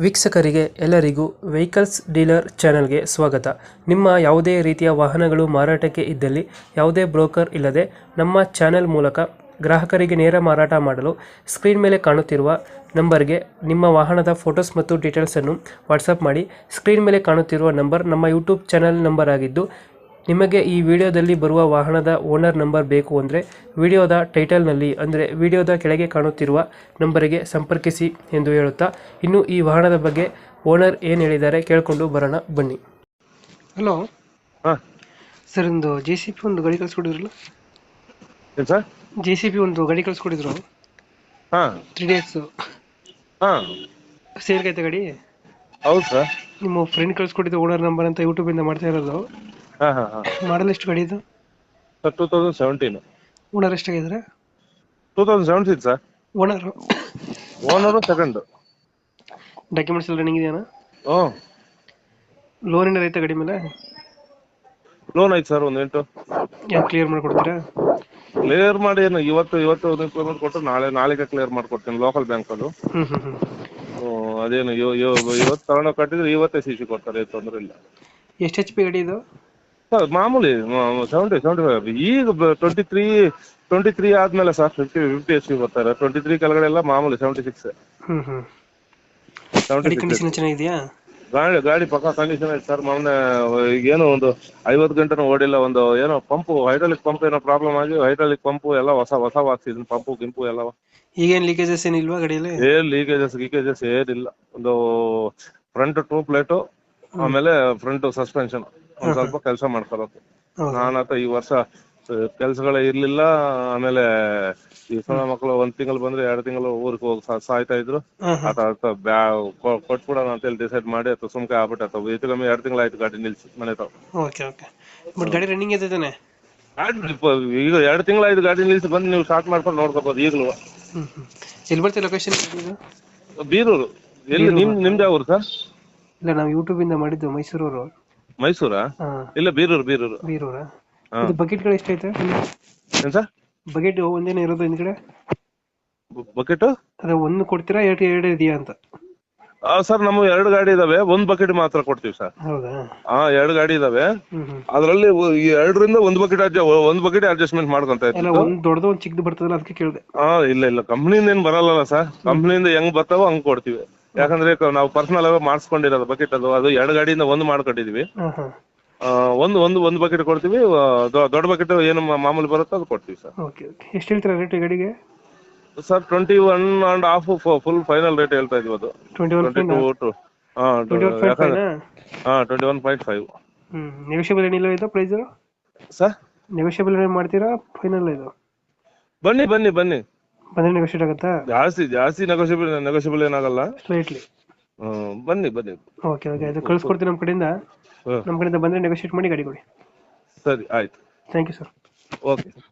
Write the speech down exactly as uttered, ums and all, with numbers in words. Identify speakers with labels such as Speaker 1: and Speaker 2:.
Speaker 1: ವೀಕ್ಷಕರಿಗೆ ಎಲ್ಲರಿಗೂ vehicles dealer ಚಾನೆಲ್ಗೆ ಸ್ವಾಗತ. ನಿಮ್ಮ ಯಾವುದೇ ರೀತಿಯ ವಾಹನಗಳು ಮಾರಾಟಕ್ಕೆ ಇದ್ದಲ್ಲಿ ಯಾವುದೇ ಬ್ರೋಕರ್ ಇಲ್ಲದೆ ನಮ್ಮ ಚಾನೆಲ್ ಮೂಲಕ ಗ್ರಾಹಕರಿಗೆ ನೇರ ಮಾರಾಟ ಮಾಡಲು ಸ್ಕ್ರೀನ್ ಮೇಲೆ ಕಾಣುತ್ತಿರುವ ನಂಬರ್ಗೆ ನಿಮ್ಮ ವಾಹನದ ಫೋಟೋಸ್ ಮತ್ತು ಡೀಟೇಲ್ಸನ್ನು ವಾಟ್ಸಪ್ ಮಾಡಿ. ಸ್ಕ್ರೀನ್ ಮೇಲೆ ಕಾಣುತ್ತಿರುವ ನಂಬರ್ ನಮ್ಮ ಯೂಟ್ಯೂಬ್ ಚಾನೆಲ್ ನಂಬರ್ ಆಗಿದ್ದು, ನಿಮಗೆ ಈ ವಿಡಿಯೋದಲ್ಲಿ ಬರುವ ವಾಹನದ ಓನರ್ ನಂಬರ್ ಬೇಕು ಅಂದರೆ ವಿಡಿಯೋದ ಟೈಟಲ್ನಲ್ಲಿ ಅಂದರೆ ವಿಡಿಯೋದ ಕೆಳಗೆ ಕಾಣುತ್ತಿರುವ ನಂಬರಿಗೆ ಸಂಪರ್ಕಿಸಿ ಎಂದು ಹೇಳುತ್ತಾ, ಇನ್ನು ಈ ವಾಹನದ ಬಗ್ಗೆ ಓನರ್ ಏನು ಹೇಳಿದ್ದಾರೆ ಕೇಳಿಕೊಂಡು ಬರೋಣ ಬನ್ನಿ. ಹಲೋ
Speaker 2: ಹಾಂ
Speaker 1: ಸರ್, ಒಂದು ಜೆ ಸಿ ಪಿ ಒಂದು ಗಾಡಿ ಕಳಿಸ್ಕೊಡಿದ್ರಲ್ಲ?
Speaker 2: ಏನು ಸರ್?
Speaker 1: ಜೆ ಸಿ ಪಿ ಒಂದು ಗಾಡಿ ಕಳಿಸ್ಕೊಡಿದ್ರು,
Speaker 2: ಹಾಂ
Speaker 1: ತ್ರೀ ಡೇಸ್
Speaker 2: ಹಾಂ
Speaker 1: ಸೇಲ್ಗೈತೆ ಗಾಡಿ.
Speaker 2: ಹೌದು ಸರ್.
Speaker 1: ನಿಮ್ಮ ಫ್ರೆಂಡ್ ಕಳಿಸ್ಕೊಟ್ಟಿದ್ದು ಓನರ್ ನಂಬರ್ ಅಂತ ಯೂಟ್ಯೂಬಿಂದ ಮಾಡ್ತಾ ಇರೋದು.
Speaker 2: ಹಾಂ ಹಾಂ ಹಾಂ
Speaker 1: ಮಾಡಲ್ ಎಷ್ಟು ಗಾಡಿ ಇದು?
Speaker 2: Sir two thousand seventeen.
Speaker 1: Owner ಎಷ್ಟಾಗಿದ್ದಾರೆ?
Speaker 2: Two thousand seventeen sir.
Speaker 1: Owner
Speaker 2: owner second.
Speaker 1: Documents ಎಲ್ಲ ರನ್ನಿಂಗ್ ಇದೆಯಾ?
Speaker 2: ಹ್ಞೂ
Speaker 1: ಲೋನ್ ಏನಾರು ಐತೆ ಗಾಡಿ ಮೇಲೆ?
Speaker 2: ಲೋನ್ ಐತೆ ಸರ್, ಒಂದು ಎಂಟು.
Speaker 1: ಯಾಕೆ ಕ್ಲಿಯರ್ ಮಾಡಿಕೊಡ್ತೀರಾ?
Speaker 2: ಕ್ಲಿಯರ್ ಮಾಡಿ ಏನು ಇವತ್ತು ಇವತ್ತು ಒಂದು ಪೇಮೆಂಟ್ ಕೊಟ್ಟು ನಾಳೆ ನಾಳೆಗೆ ಕ್ಲಿಯರ್ ಮಾಡ್ಕೊಡ್ತೀನಿ ಲೋಕಲ್ ಬ್ಯಾಂಕಲ್ಲಿ.
Speaker 1: ಹ್ಞೂ ಹ್ಞೂ ಹ್ಞೂ
Speaker 2: ಅದೇನು ಇವ- ಇವ- ಇವತ್ತು ತಗೊಂಡೋಗಿ ಕಟ್ಟಿದ್ರೆ ಇವತ್ತೇ ಸಿ ಸಿ ಕೊಡ್ತಾರೆ, ಏನು ತೊಂದರೆ ಇಲ್ಲ
Speaker 1: ಎಷ್ಟು ಎಚ್ ಪಿ ಗಾಡಿ ಇದು?
Speaker 2: ಸರ್. ಮಾಮೂಲಿ ಸೆವೆಂಟಿ ಸೆವೆಂಟಿ ಫೈವ್ ಈಗ ಟ್ವೆಂಟಿ ತ್ರೀ ಟ್ವೆಂಟಿ ತ್ರೀ ಆದ್ಮೇಲೆ sir fifty fifty H P ಬರ್ತಾರೆ. ಟ್ವೆಂಟಿ ತ್ರೀ ಕೆಳಗಡೆ ಎಲ್ಲ ಮಾಮೂಲಿ ಸೆವೆಂಟಿ ಸಿಕ್ಸ್
Speaker 1: ಹ್ಞೂ ಹ್ಞೂ
Speaker 2: ಸೆವೆಂಟಿ
Speaker 1: ಗಾಡಿ
Speaker 2: ಸಿಕ್ಸ್
Speaker 1: ಕಂಡೀಷನ್ ಚೆನ್ನಾಗಿದೆಯಾ?
Speaker 2: ಗಾಡಿ ಗಾಡಿ ಪಕ್ಕ ಕಂಡೀಷನ್ ಐತೆ ಸರ್. ಮೊನ್ನೆ ಏನೋ ಒಂದು ಐವತ್ತು ಗಂಟೆನೂ ಓಡಿಲ್ಲ. ಒಂದು ಏನೋ ಪಂಪು ಹೈಡ್ರಾಲಿಕ್ ಪಂಪ್ ಏನೋ ಪ್ರಾಬ್ಲಮ್ ಆಗಿ ಹೈಡ್ರಾಲಿಕ್ ಪಂಪು ಎಲ್ಲ ಹೊಸ ಹೊಸ ಹಾಕ್ಸಿದ್ದೀನಿ. ಪಂಪು ಗಿಂಪು ಎಲ್ಲ
Speaker 1: ಈಗೇನು ಲೀಕೇಜಸ್ ಏನಿಲ್ವಾ ಗಾಡಿಯಲ್ಲಿ?
Speaker 2: ಏನ್ ಲೀಕೇಜಸ್ ಗೀಕೇಜಸ್ ಏನಿಲ್ಲ. ಒಂದು ಫ್ರಂಟ್ ಟೂ ಪ್ಲೇಟು, ಆಮೇಲೆ ಫ್ರಂಟ್ ಸಸ್ಪೆನ್ಷನ್ ಒಂದ್ ಸ್ವಲ್ಪ ಕೆಲಸ ಮಾಡ್ಕೊಳಕ್ಕೆ.
Speaker 1: ಹೌದಾ?
Speaker 2: ನಾನಂತ ಈ ವರ್ಷ ಕೆಲ್ಸಗಳೇ ಇರ್ಲಿಲ್ಲ. ಆಮೇಲೆ ಈ ಸಣ್ಣ ಮಕ್ಕಳು ಒಂದ್ ತಿಂಗಳು ಬಂದ್ರೆ ಎರಡು ತಿಂಗಳು ಊರಿಗೆ ಹೋಗಿ ಸಾ- ಸಾಯ್ತಾ ಇದ್ರು.
Speaker 1: ಹಾಂ ಹಾಂ
Speaker 2: ಆತ ಬ್ಯಾ ಕೊಟ್ಬಿಡೋಣ ಅಂತೇಳಿ ಡಿಸೈಡ್ ಮಾಡಿ ಅಥವಾ ಸುಮ್ಕೆ ಆಗ್ಬಿಟ್ಟ. ಹೆಚ್ಚು ಕಮ್ಮಿ ಎರಡು ತಿಂಗಳಾಯ್ತು ಗಾಡಿ ನಿಲ್ಸಿ ಮನೆ ತಾವ್.
Speaker 1: ಓಕೆ ಓಕೆ ಬಟ್ ಗಾಡಿ ರನ್ನಿಂಗ್ ಇದೆ ತಾನೆ?
Speaker 2: ಗಾಡಿ ಇಪ್ಪ- ಈಗ ಎರಡು ತಿಂಗಳಾಯ್ತು ಗಾಡಿ ನಿಲ್ಸಿ, ಬಂದು ನೀವು ಸ್ಟಾರ್ಟ್ ಮಾಡ್ಕೊಂಡು ನೋಡ್ಕೋಬಹುದು ಈಗಲೂ.
Speaker 1: ಹ್ಞೂ ಹ್ಞೂ ಎಲ್ಲಿ ಬರ್ತದೆ ಲೊಕೇಶನ್ ಇದು?
Speaker 2: ಬೀರೂರು. ಎಲ್ಲಿ ನಿಮ್ ನಿಮ್ದು ಯಾವ ಊರು ಸರ್?
Speaker 1: ಇಲ್ಲ, ನಾವು ಯೂಟ್ಯೂಬಿಂದ ಮಾಡಿದ್ದು ಮೈಸೂರವರು.
Speaker 2: ಮೈಸೂರಾ?
Speaker 1: ಹಾಂ,
Speaker 2: ಇಲ್ಲ ಬೀರೂರು ಬೀರೂರು.
Speaker 1: ಬೀರೂರಾ?
Speaker 2: ಹಾ.
Speaker 1: ಇದು ಬಕೆಟ್ಗಳು ಎಷ್ಟೈತೆ?
Speaker 2: ಏನ್ ಸರ್?
Speaker 1: ಬಕೆಟ್ ಒಂದೇನೇ ಇರೋದು ಹಿಂದ್ಗಡೆ?
Speaker 2: ಬಕೆಟ್
Speaker 1: ಅದೇ ಒಂದು ಕೊಡ್ತೀರಾ, ಎರಡು ಎರಡು ಇದೆಯಾ ಅಂತ?
Speaker 2: ಸರ್ ನಮ್ಮ ಎರಡು ಗಾಡಿ ಇದಾವೆ, ಒಂದ್ ಬಕೆಟ್ ಮಾತ್ರ ಕೊಡ್ತೀವಿ ಸರ್.
Speaker 1: ಹೌದಾ?
Speaker 2: ಹಾ, ಎರಡು ಗಾಡಿ ಇದಾವೆ.
Speaker 1: ಹ್ಞೂ ಹ್ಞೂ
Speaker 2: ಅದ್ರಲ್ಲಿ ಈ ಎರಡರಿಂದ ಒಂದ್ ಬಕೆಟ್ ಅಡ್ಜ ಒಂದ್ ಬಕೆಟ್ ಅಡ್ಜಸ್ಟ್ಮೆಂಟ್ ಮಾಡ್ಕೊಂತ
Speaker 1: ಅಲ್ಲ,
Speaker 2: ಇತ್ತು.
Speaker 1: ಒಂದು ದೊಡ್ಡದು ಒಂದು ಚಿಕ್ಕದು ಬರ್ತದಲ್ಲ, ಅದಕ್ಕೆ ಕೇಳಿದೆ.
Speaker 2: ಹಾ, ಇಲ್ಲ ಇಲ್ಲ ಕಂಪ್ನಿಯಿಂದ ಏನ್ ಬರಲ್ಲ ಸರ್. ಕಂಪ್ನಿಯಿಂದ ಹೆಂಗ್ ಬರ್ತಾವೋ ಹಂಗ್ ಕೊಡ್ತೀವಿ. ಯಾಕಂದ್ರೆ ಕ- ನಾವು ಪರ್ಸನಲ್ ಆಗಿ ಮಾಡಿಸ್ಕೊಂಡಿರೋದು ಬಕೆಟ್. ಅದು ಅದು ಎರಡು ಗಾಡಿಯಿಂದ ಒಂದು ಮಾಡ್ಕೊಂಡಿದೀವಿ.
Speaker 1: ಹಾಂ ಹಾಂ
Speaker 2: ಆ, ಒಂದು ಒಂದು ಒಂದು ಬಕೆಟ್ ಕೊಡ್ತೀವಿ. ಆ, ದೊ- ದೊಡ್ಡ ಬಕೆಟ್ ಏನು ಮಾ- ಮಾಮೂಲಿ ಬರುತ್ತೋ ಅದು ಕೊಡ್ತೀವಿ ಸರ್.
Speaker 1: ಓಕೆ ಓಕೆ ಎಷ್ಟು ಹೇಳ್ತೀರಾ ರೇಟ್ ಗಾಡಿಗೆ?
Speaker 2: Sir twenty one and half full final rate ಹೇಳ್ತಾ ಇದೀವಿ. ಅದು
Speaker 1: twenty one
Speaker 2: twenty two two ಹಾ
Speaker 1: ಟ್ವೆಂಟಿ ಒನ್ ಪಾಯಿಂಟ್
Speaker 2: ಯಾಕಂದ್ರೆ
Speaker 1: ಫೈವ್ನಾ?
Speaker 2: ಹಾ ಟ್ವೆಂಟಿ ಒನ್ ಪಾಯಿಂಟ್ ಫೈವ್
Speaker 1: ಹ್ಞೂ ನೆಗೋಷಿಯಬಲ್ ಏನಿಲ್ಲ ಇದು ಪ್ರೈಸು?
Speaker 2: ಸರ್.
Speaker 1: ನೆಗೋಷಿಯಬಲ್ ಏನು ಮಾಡ್ತೀರಾ ಫೈನಲ್ ಇದು?
Speaker 2: ಬನ್ನಿ ಬನ್ನಿ ಬನ್ನಿ,
Speaker 1: ಬಂದರೆ ನೆಗೋಷಿಯೇಟ್ ಆಗುತ್ತಾ?
Speaker 2: ಜಾಸ್ತಿ ಜಾಸ್ತಿ ನೆಗೋಷಿಯಬಲ್ ನೆಗೋಷಿಯಬಲ್ ಏನಾಗಲ್ಲ.
Speaker 1: ಸ್ಲೈಟ್ಲಿ.
Speaker 2: ಹ್ಮ್ ಬನ್ನಿ ಬನ್ನಿ.
Speaker 1: ಓಕೆ ಓಕೆ ಅದು ಕಳ್ಸ್ಕೊಡ್ತೀನಿ ನಮ್ಮ ಕಡೆಯಿಂದ.
Speaker 2: ಹ್ಮ್
Speaker 1: ನಮ್ಮ ಕಡೆಯಿಂದ ಬಂದರೆ ನೆಗೋಷಿಯೇಟ್ ಮಾಡಿ ಗಾಡಿ ಕೊಡಿ.
Speaker 2: ಸರಿ ಆಯ್ತು.
Speaker 1: Thank you sir.
Speaker 2: ಓಕೆ.